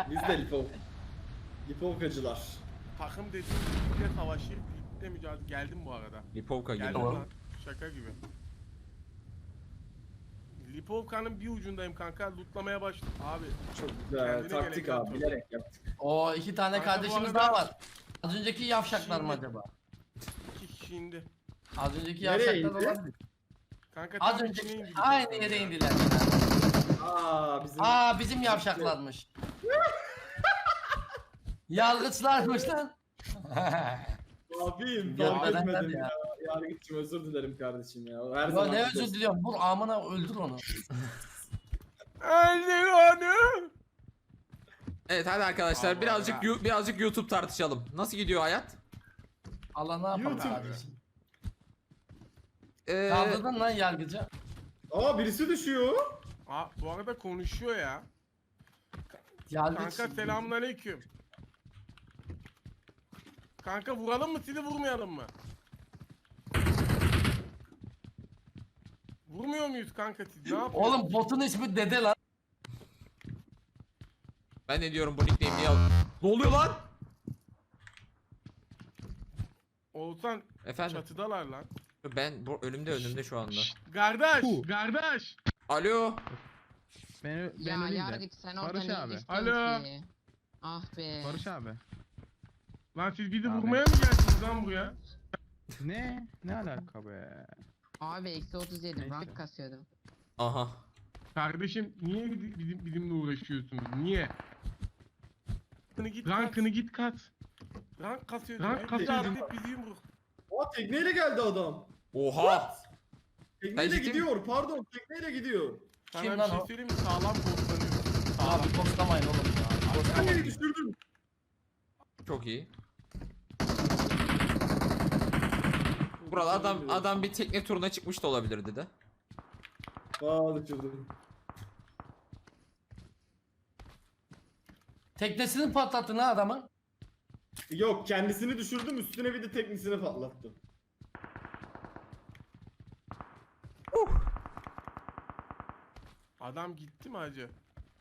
Biz de Lipovkacılar. Takım dediğim birlikte savaşır, birlikte mücadele. Geldim bu arada. Lipovka gibi. Geldim lan. Şaka gibi. Lipovka'nın bir ucundayım kanka. Lootlamaya başladım. Abi. Çok güzel. Kendine Taktik gerek abi. yok. Bilerek yaptık. O 2 tane Kanka bu kardeşimiz arada- daha var. Az önceki yavşaklar mı Şimdi- acaba? 2 kişi indi. Az önceki Nereye yavşaklar indi? olabilir. Kanka Az tam içine önceki indi. aynı yere indiler. Bizim... Bizim yavşaklarmış. Yargıçlarmış lan. Abim Ya, fark neden etmedim ya? ya. Yargıç'ım özür dilerim kardeşim ya. Her Ya zaman ne özür diliyorum. Vur amına öldür onu. Öldür onu. Evet hadi arkadaşlar Allah birazcık YouTube tartışalım. Nasıl gidiyor hayat? Allah ne yapalım YouTube. kardeşim. Ee, Kaldırdın lan yargıcı. Aa birisi düşüyor. Aa, bu arada konuşuyor ya. Yargıç. Kanka selamünaleyküm. Kanka vuralım mı sizi vurmayalım mı? Vurmuyor muyuz kanka siz? Ne yapıyorsunuz? Oğlum botun ismi Dede lan. ben ne diyorum bu nickname niye al? Ne oluyor lan? Oğuzhan Efendim çatıdalar lan. ben bu önümde şu anda. Kardeş, kardeş. Alo. Ben Ya öleyim de. Yargıç sen orada Barış ne abi. istiyorsun Alo. ki? Ah be. Barış abi. Lan siz bizi Abi. vurmaya mı geldiniz lan buraya? Ne? Ne alaka be? Abi eksi 37 Neyse. rank kasıyordum. Aha. Kardeşim niye bizimle uğraşıyorsunuz? Niye? Rankını git kat. Rank kasıyordun. Rank kasıyordun. Bizi yumruk. Aa tekneyle geldi adam. Oha. Tekneyle ciddi gidiyor. Pardon tekneyle gidiyor. Sana Kim bir lan şey o? söyleyeyim mi? Sağlam postlanıyor. Sağlam. Abi postlamayın oğlum ya. Tekneyle düşürdüm. Çok iyi. Burada adam bir tekne turuna çıkmış da olabilirdi de. Aa düşürdüm. Teknesini patlattın ha adamın. Yok kendisini düşürdüm üstüne bir de teknisini patlattım. Adam gitti mi hacı?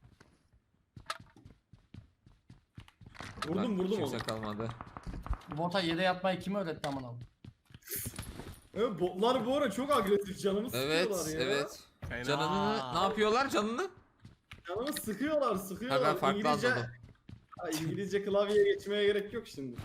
Vurdum Kimse onu. kalmadı. Bota yere yatmayı kim öğretti amına? Evet, botlar bu ara çok agresif canımı Evet sıkıyorlar ya. evet. Fena. Canını ne yapıyorlar canını? Canımı sıkıyorlar. Ha ben farklı İngilizce, anladım. Ha, İngilizce klavyeye geçmeye gerek yok şimdi.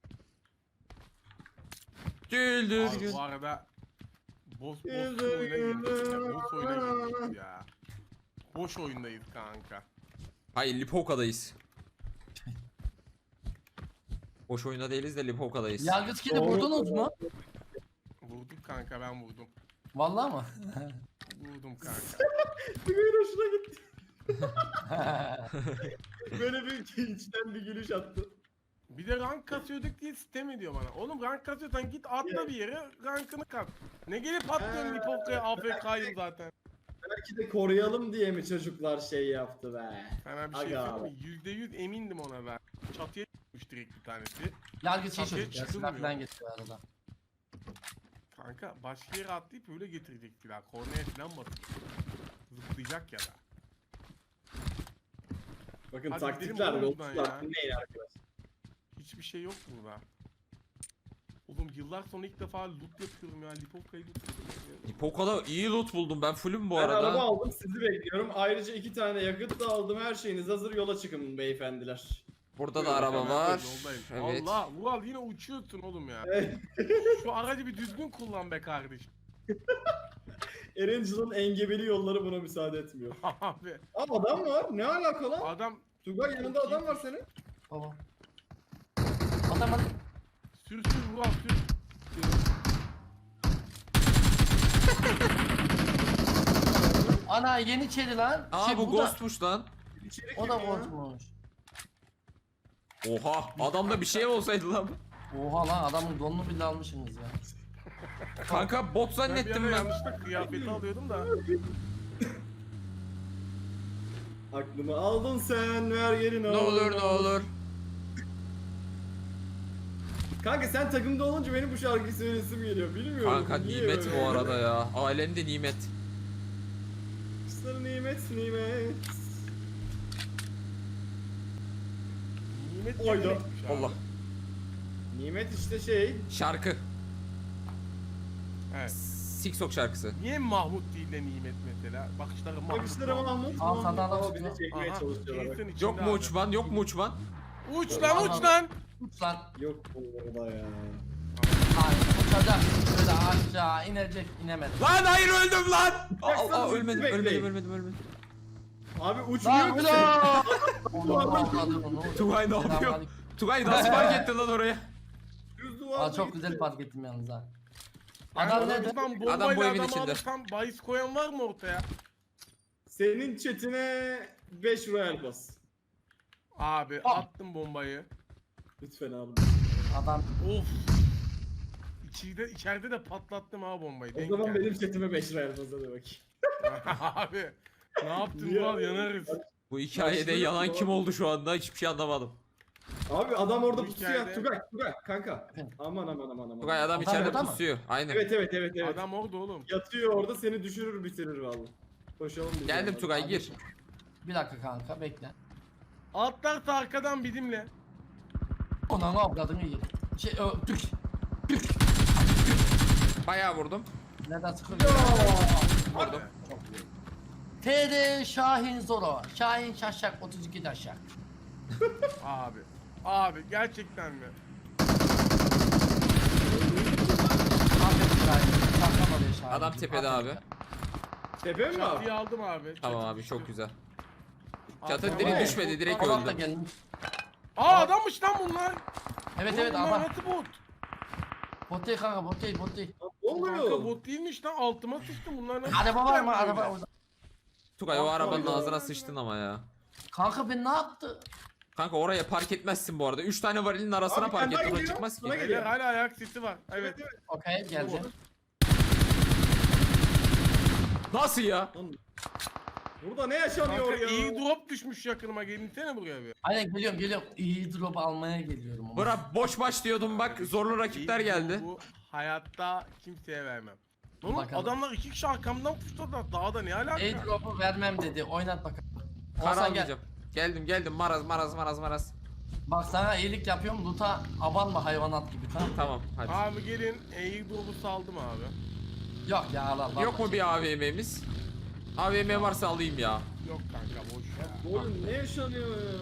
Güldür Abi gül. bu arada boş oyuna girdik ya. Boş oyuna girdik ya. Boş oyundayız kanka. Hayır Lipovka'dayız. Boş oyunda değiliz de Lipovka'dayız. Yargıç kili vurdunuz mu? Vurduk kanka ben vurdum. Vallahi mı? Vurdum kanka. Tugay'ın hoşuna gitti. Böyle bir içten bir gülüş attı. Bir de rank kasıyorduk diye sitem ediyor bana. Oğlum rank kasıyorsan git atla bir yere rankını kat. Ne gelip atlıyorsun Lipovka'ya AFK'yım zaten. Belki de koruyalım diye mi çocuklar şey yaptı be. Sana bir şey Aga söyleyeyim mi? %100 emindim ona ben. Çatıya çıkmış direkt bir tanesi. Yargıç iyi Çatıya çocuk ya. çıkılmıyor. Silah falan getiriyor arada. Kanka başka yere atlayıp öyle getirecek silah. Kornaya falan batıyor. Zıplayacak ya da. Bakın Hadi taktikler gidelim oğlum buradan yolcular ya. dinleyin arkadaşlar. Hiçbir şey yok burada. Oğlum yıllar sonra ilk defa loot yapıyorum ya. Lipovka'yı loot yapıyorum. Lipovka'da iyi loot buldum ben fullüm bu Ben araba arada. aldım sizi bekliyorum. Ayrıca 2 tane yakıt da aldım. Her şeyiniz hazır yola çıkın beyefendiler. Burada da araba Ben var. yoldayım. Evet. Allah Vural yine uçuyorsun oğlum ya. Şu aracı bir düzgün kullan be kardeşim. Erangel'ın engebeli yolları buna müsaade etmiyor. Abi Aa adam var. Ne alaka lan? adam Tugay yanında adam var senin. Baba. Adam sür Vural sür. ana yeni çeli lan. Aa Şey, bu da- ghostmuş lan. İçeri O da kim ya? ghostmuş. Oha adamda bir şey olsaydı lan. Oha lan adamın donunu bile almışsınız ya. Kanka bot Ben bir zannettim ara ben. yanlışlıkla kıyafeti alıyordum da. Aklımı aldın sen ver geri Ne olur ne olur. Kanka sen takımda olunca benim bu şarkıyı söylesim geliyor. Bilmiyorum. Kanka niye nimet böyle? bu arada ya. Alemde nimet. Sana nimet nimet. Nimet Oydu. yetenekmiş abi. Allah. Nimet işte şey. Şarkı. Evet. Siksok şarkısı. Niye Mahmut değil de Nimet mesela? Bakışları Mahmut. Bakışları Mahmut. Al, sana adam Ama bizi tutuyor. çekmeye çalışıyorlar. bak. Jason içinde Yok mu abi. uçman? Yok mu uçman? Uç lan uç lan. Uç lan. Yok burada ya. Hayır uçacak. Böyle aşağı inecek inemedi. Lan hayır öldüm lan. Baksana, Aa, ölmedim, bekleyin. ölmedim. Abi Lan uçmuyor ki. ulan. Onu avladım onu. Tugay ne yapıyor? Selamünaleyküm. Tugay nasıl fark ettin lan oraya? Düz duvarda Aa, çok gitti. güzel fark ettim yalnız ha. Yani Adam nerede? adam bombayla Adam bu evin adamı içinde. alırsam bahis koyan var mı ortaya? Senin chatine 5 royal bas. Abi Al. attım bombayı. Lütfen abi. Adam Of. İçeride de patlattım ha bombayı. O denk zaman geldi. benim chatime 5 royal bas hadi bakayım. Abi ne yaptın Niye? lan yanarız. Bu hikayede Başlıyor. yalan kim oldu şu anda hiçbir şey anlamadım. Abi adam orada Bu pusuya. hikayede- Tugay kanka. Aman. Tugay adam Adam içeride orada mı? pusuyor. Aynen. Evet. Adam orada oğlum. Yatıyor orada seni düşürür bitirir vallahi. Koşalım biz. Geldim ya. Tugay gir. bir dakika kanka bekle. Atlarsa arkadan bizimle. Ona ne avladın iyi. Türk. Bayağı vurdum. Neden sıkılıyor? Vurdum. TD Şahin Zoro. Şahin Şaşak 32 Daşak. Abi. Abi gerçekten mi? Aferin Şahin. Saklam oraya Şahin. Adam tepede abi. Tepe mi abi? Çatıyı aldım abi. Tamam Çatı abi düştü. çok güzel. Abi, Çatı ama- diri düşmedi direkt Allah da öldü. gelmiş. Aa adammış lan bunlar. Evet Oğlum evet bunlar adam. nasıl bot? Bot değil kanka bot değil. Ne Kanka oluyor? bot değilmiş lan altıma sıçtım bunlar nasıl? Araba var mı? böyle? Araba orada. Tugay o arabanın Allah. ağzına sıçtın ama ya. Kanka ben ne yaptı? Kanka oraya park etmezsin bu arada. 3 tane varilin arasına Abi, park kendi et. Ona geliyor, çıkmaz bana ki. geliyor. Beyler hala ayak sesi var. Evet. Okey geleceğim. Nasıl ya? Burada ne yaşanıyor Kanka ya? iyi drop düşmüş yakınıma gelinsene buraya bir. Aynen geliyorum. İyi drop almaya geliyorum. ama. Bura boş maç diyordum bak zorlu rakipler İyi geldi. drop'u hayatta kimseye vermem. Oğlum Bakalım. adamlar 2 kişi arkamdan puşladılar. Dağda ne alaka? İyi drop'u vermem dedi. Oynat bakalım. Kar Olsan gel. almayacağım. Geldim maraz. Bak sana iyilik yapıyorum. Loot'a abanma hayvanat gibi tamam. Tamam hadi. Abi gelin iyi drop'u saldım abi. Yok ya Allah. Yok mu bir AVM'miz? AVM varsa alayım ya. Yok kanka boş ya. Oğlum ne yaşanıyor ya?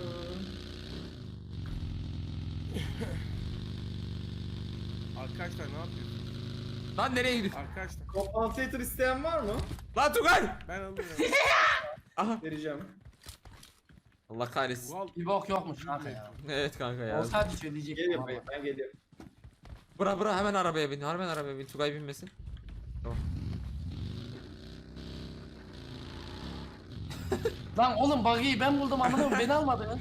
Arkadaşlar ne yapıyorsun? Lan nereye gidiyorsun? Arkadaşlar Compensator isteyen var mı? Lan Tugay! ben alıyorum. Aha. Vereceğim. Allah kahretsin. Vural Bir bok yokmuş kanka ya. Evet kanka ya. Olsaydı söyleyecektim Gel ama. yapayım ben geliyorum. Bura hemen arabaya bin. Hemen arabaya bin. Tugay binmesin. Lan oğlum buggy'yi ben buldum anladın mı? Beni almadın.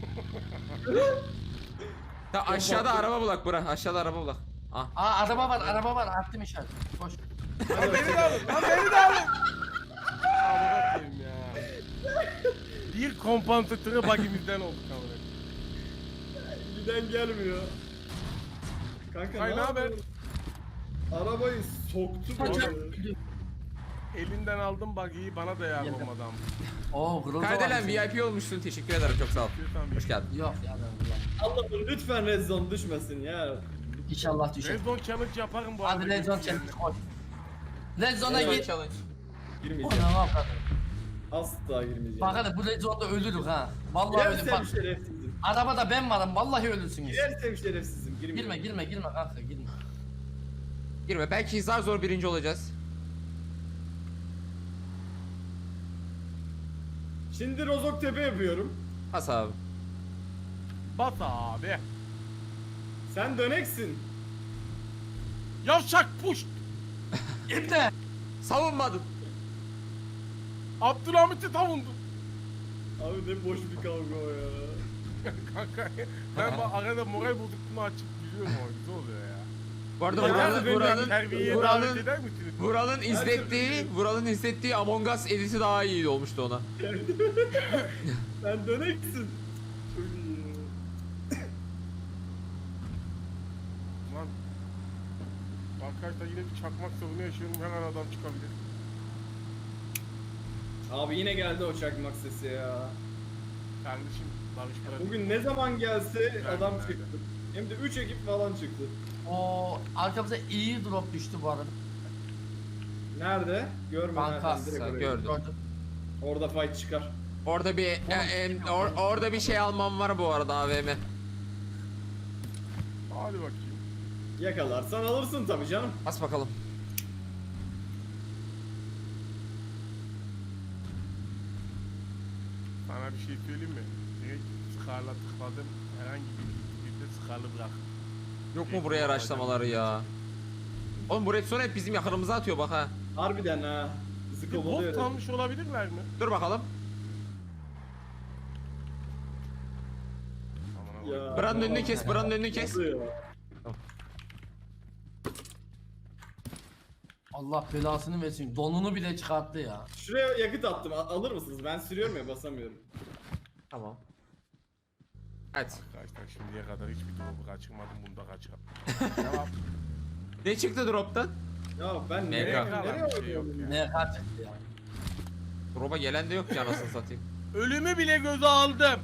Ya aşağıda araba bulak bura. Aşağıda araba bulak. Ah. Aa araba var. Attım işaret. Koş. Lan beni de alın. Lan beni de alın. Amına koyayım ya. Bir kompansatöre bagimizden olduk amına. Giden gelmiyor. Kanka Ay, ne ne haber? yapıyorsun? Arabayı soktu bu arada. Elinden aldım bagiyi bana da yardım Yedim. adam. Oo Groza Kardelen VIP olmuşsun. Teşekkür ederim. Çok sağ ol. Lütfen Hoş geldin. Yok ya ben bulamam. Allah'ım lütfen red zone düşmesin ya. İnşallah düşer. Red Zone Challenge yaparım bu Hadi Red Zone challenge koş. Red Zone'a Evet, git. challenge. Girmeyeceğim. Ona ne yapalım? Asla girmeyeceğim. Bak hadi bu Red Zone'da ölürük ha. Vallahi ölür Girersem bak. şerefsizim. Arabada ben varım vallahi ölürsünüz. Girersem şerefsizim. Girmeyeceğim. Girme kanka girme. Girme. Belki zor birinci olacağız. Şimdi Rozok Tepe yapıyorum. Has abi. Bas abi. Sen döneksin. Yavşak puş. İbne. Savunmadın. Abdülhamit'i savundu. Abi ne boş bir kavga o ya. Kanka ben bu arada moral bozukluğunu açıp gülüyorum ama güzel oluyor ya. Bu arada Ya Vural'ın nerede Terbiyeye davet Vural'ın eder misiniz? Vural'ın izlettiği Among Us editi daha iyi olmuştu ona. Sen döneksin. Çok iyi. Lan. Arkadaşlar yine bir çakmak sorunu yaşıyorum her an adam çıkabilir. Abi yine geldi o çakmak sesi ya. Kardeşim Barış bırak. Bugün ne zaman gelse adam Nerede? çıktı. Hem de 3 ekip falan çıktı. O arkamıza iyi drop düştü bu arada. Nerede? Görmeden Kanka, direkt oraya. gördüm. Gördüm. Orada fight çıkar. Orada bir orada bir şey almam var bu arada AVM. Hadi bakayım. Yakalarsan alırsın tabii canım. Bas bakalım. Sana bir şey söyleyeyim mi? Direkt Scar'la tıkladım. Herhangi bir Scar'lı bırak. Yok mu buraya araçlamaları ya? Oğlum bu redstone hep bizim yakınımıza atıyor bak ha. Harbiden ha. Bizi Bir bot kovalıyor. kalmış olabilirler mi? Dur bakalım. Aman Ya. Allah'ım. Buranın önünü kes, buranın önünü kes. Oluyor. Allah belasını versin. Donunu bile çıkarttı ya. Şuraya yakıt attım. Alır mısınız? Ben sürüyorum ya basamıyorum. Tamam. Evet. Arkadaşlar şimdiye kadar hiçbir drop'u kaçırmadım. Bunu da kaçırdım. Devam. Ne çıktı drop'tan? Ya ben MK. nereye Kalan nereye bir şey yok oynuyorum ya. ya? Ne kaçtı ya. Drop'a gelen de yok ki anasını satayım. Ölümü bile göze aldım.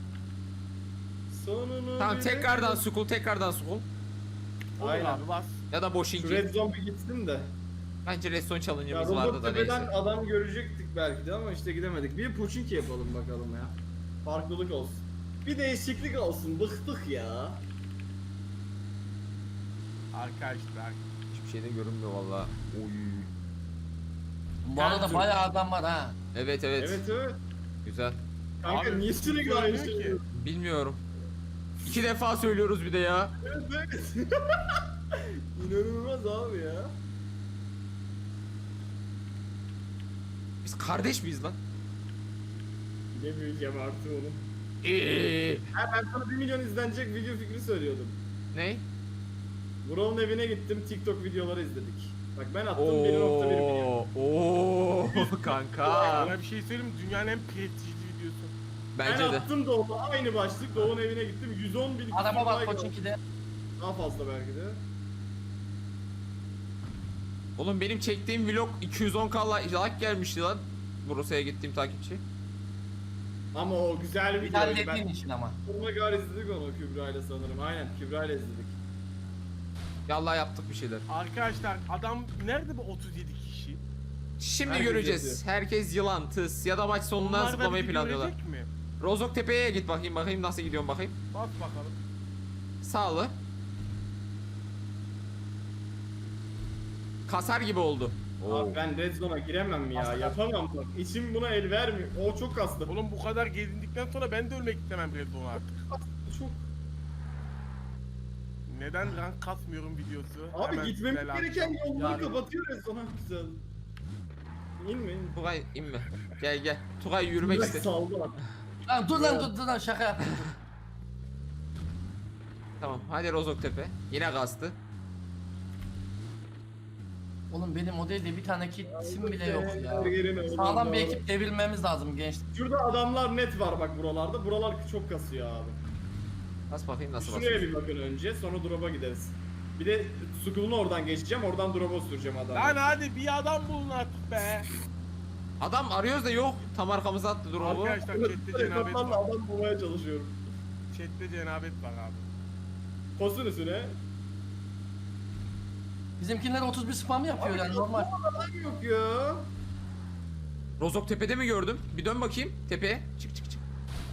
Sonunu Tamam bile- tekrardan sukul, tekrardan sukul. Olur Aynen. abi bas. Ya da Şu boşinki. red zone bir gitsin de. Bence redstone Ya challenge'ımız vardı Robot da Tepe'den neyse. adam görecektik belki de ama işte gidemedik. Bir Puçinki yapalım bakalım ya. Farklılık olsun. Bir değişiklik olsun. Bıktık ya. Arkadaşlar. Hiçbir şey de görünmüyor valla. Oy. Bu arada bayağı adam var ha. Evet evet. Evet evet. Güzel. Kanka Abi, niye sürekli aynı görünüyor şey? ki. diyor? Bilmiyorum. 2 defa söylüyoruz bir de ya. Evet evet. İnanılmaz abi ya. Biz kardeş miyiz lan? Bilemeyeceğim artık onu. Eee. Ha, ben sana 1 milyon izlenecek video fikri söylüyordum. Ne? Vural'ın evine gittim, TikTok videoları izledik. Bak ben attım 1.1 milyon. Oo kanka. Sana bir şey söyleyeyim mi? Dünyanın en prestijli videosu. Bence ben de. attım Doğu'da aynı başlık, Doğu'nun evine gittim, 110 bin Araba var like Koçinki'de. daha fazla belki de. Oğlum benim çektiğim vlog 210k like gelmişti lan. Bursa'ya gittiğim takipçi. Ama o güzel bir Bir videoydu. hallettiğin Ben için ama. sonuna kadar izledik onu Kübra ile sanırım. Aynen Kübra ile izledik. Yallah yaptık bir şeyler. Arkadaşlar adam nerede bu 37 kişi? Şimdi Herkes göreceğiz. yazıyor. Herkes yılan, tıs ya da maç sonundan Bunlar da zıplamayı bizi planlıyorlar. görecek mi? Rozok Tepe'ye git bakayım nasıl gidiyorum bakayım. Bas bakalım. Sağlı. Kasar gibi oldu. Abi ben Red Zone'a giremem ya, yapamam bak. İçim buna el vermiyor. O çok kastı. Oğlum bu kadar gezindikten sonra ben de ölmek istemem Red Bull'a artık. Çok. Neden rank kasmıyorum videosu? Abi Hemen gitmemiz selam. gereken yolları Yani- kapatıyor Red Zone'a güzel. İnme in. Tugay inme. Gel gel. Tugay yürümek Direkt iste. saldı lan. Lan dur lan dur lan şaka yaptım. Tamam hadi Rozok Tepe. Yine kastı. Oğlum benim o değil de bir tane kitim bile yok ya. Yerine Sağlam bir oradan ekip devirmemiz lazım gençler. Şurada adamlar net var bak buralarda. Buralar çok kasıyor abi. Bas bakayım nasıl Şuraya basıyor. bir bakın önce, sonra drop'a gideriz. Bir de Skull'unu oradan geçeceğim, oradan drop'a süreceğim adamı. Lan hadi bir adam bulun artık be. Adam arıyoruz da yok. Tam arkamıza attı drop'u. Arkadaşlar chatte cenabet Kaplarla var. adam bulmaya çalışıyorum. Chatte cenabet var abi. Kosun üstüne. Bizimkiler 31 spam yapıyor yani normal. Adam yok ya. Rozok Tepe'de mi gördüm? Bir dön bakayım tepeye. Çık çık çık.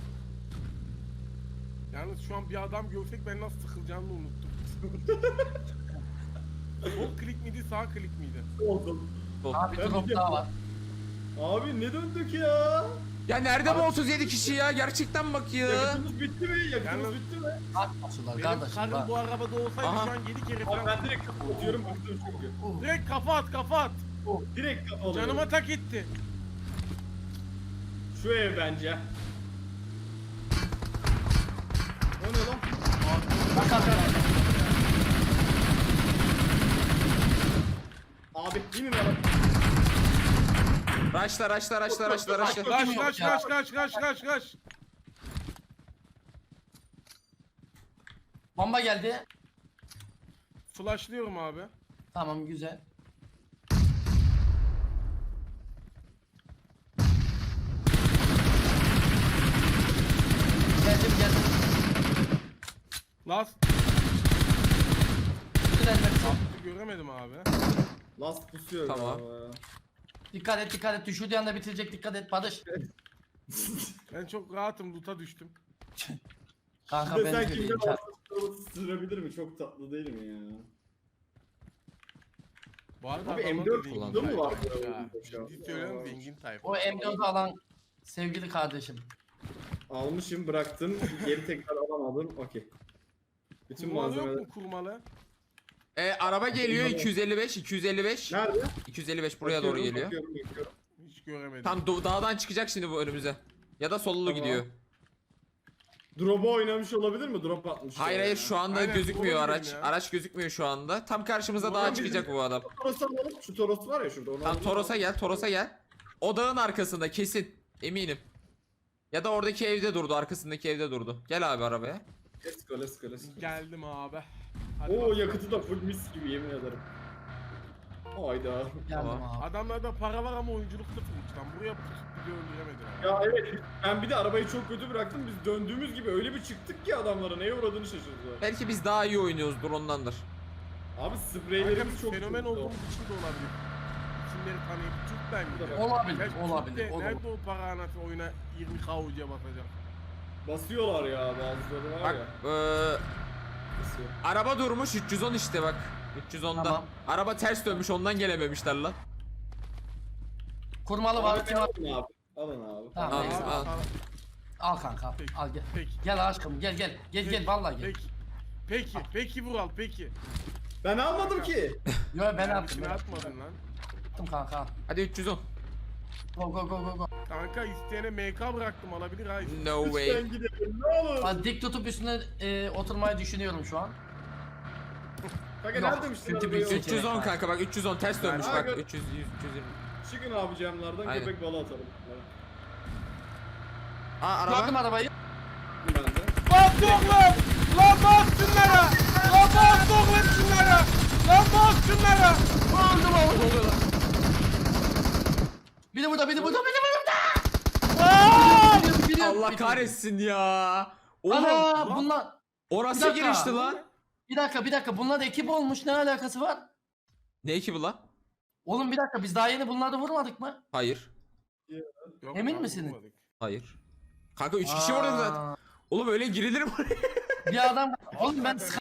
Yalnız şu an bir adam görsek ben nasıl sıkılacağımı unuttum. Sol klik miydi sağ klik miydi? Oldum. Abi Ben drop biliyorum. daha var. Abi ne döndük ya? Ya nerede bu 37 kişi ya? Gerçekten bak ya. Yakıtımız bitti mi? Yakıtımız Yalnız- bitti mi? Atmasınlar Benim kardeşim karım bak. bu arabada olsaydı Aha. şu an 7 kere Abi falan. ben direkt kafa atıyorum, bıktım çünkü. Direkt kafa at kafa at. Direkt kafa alıyorum. Canıma tak etti. Şu ev bence. O ne lan? Bak arkadaşlar. Abi inin lan. Raşla raşla raşla raşla raşla. Kaç Yok kaç ya. kaç kaç kaç kaç kaç. Bomba geldi. Flashlıyorum abi. Tamam güzel. Last Bütün elmek çok. göremedim abi. Last pusuyor Tamam. galiba ya. Dikkat et. Düşürdüğü anda bitirecek. Dikkat et Barış. Ben çok rahatım, loot'a düştüm. Kanka Bir de ben sen de kimden değilim. alsın sırabilir mi? Çok tatlı değil mi ya? Bu arada Abi adamlar M4 da zengin kullandı mı var tayfa ya? ya. Ciddi söylüyorum, zengin tayfa. O M4'ü alan sevgili kardeşim. Almışım, bıraktım, geri tekrar alamadım. Okey. Bütün Kurmalı yok malzemeler. mu kurmalı? Araba geliyor 255. Nerede? 255 buraya doğru Bakıyorum, geliyor. bakıyorum. Hiç göremedim. Tam dağdan çıkacak şimdi bu önümüze. Ya da sollu Tamam. gidiyor. Drop'a oynamış olabilir mi? Drop atmış. Hayır şu anda Aynen, gözükmüyor olabilir araç. ya. Araç gözükmüyor şu anda. Tam karşımıza Ulan dağa bizim- çıkacak bu adam. Toros'u alalım. Şu Toros var ya şurada. Onu Tam alalım. Toros'a gel. O dağın arkasında kesin. Eminim. Ya da oradaki evde durdu, arkasındaki evde durdu. Gel abi arabaya. Let's go, let's go, let's go. Geldim abi. Hadi Oo bakalım. yakıtı da full mis gibi yemin ederim. Hayda. Geldim Tamam. abi. Adamlarda para var ama oyunculuk sıfırmış lan. Buraya pusup bir de öldüremediler. Ya evet, ben bir de arabayı çok kötü bıraktım. Biz döndüğümüz gibi öyle bir çıktık ki adamlara neye uğradığını şaşırdılar. Belki biz daha iyi oynuyoruzdur ondandır. Abi Kanka spreylerimiz biz çok fenomen kötü. olduğumuz için de olabilir. İsimleri tanıyıp Türk'ten gidiyor. Olabilir, Belki olabilir, Türk'te olabilir. nerede o para anası oyuna 20 kavucuya basacak. Basıyorlar ya bazıları var Bak ya. Basıyor. araba durmuş 310 işte bak. 310'da. Tamam. Araba ters dönmüş ondan gelememişler lan. Kurmalı var. Abi, Kim al? alın abi. Alın abi. Tamam, Al, neyse. al. Al kanka. Peki. Al gel. Peki. Gel aşkım gel. Gel vallahi gel. Peki Vural peki. Ben almadım ki. Yo ben Ben attım. içine atmadın lan. Attım kanka. Hadi 310. Go. Kanka isteyene MK bıraktım alabilir ha. No way. Lütfen gidelim ne olur. Hadi dik tutup üstüne oturmayı düşünüyorum şu an. Kanka Yok, nerede demiştin kötü bir arabayı? şey. 310 kanka bak 310 ters dönmüş bak. Abi. 300 100 220. Çıkın abi camlardan Aynen. köpek balı atalım. Aa Gördüm araba. arabayı. Ben de. Bas oğlum! Lan bas şunlara! Lan bas oğlum şunlara! Lan bas şunlara! Öldüm abi. Ne oluyor lan? Biri burada. Gidiyorum. Allah kahretsin ya. Oğlum Ana bunlar. o Bir nasıl dakika. girişti lan? Bir dakika. Bunlar da ekip olmuş. Ne alakası var? Ne ekibi lan? Oğlum bir dakika biz daha yeni bunları vurmadık mı? Hayır. Yok, Emin abi, misiniz? vurmadık. Hayır. Kanka 3 kişi vurduk zaten. Aa, Oğlum öyle girilir mi? Bir adam. Oğlum ben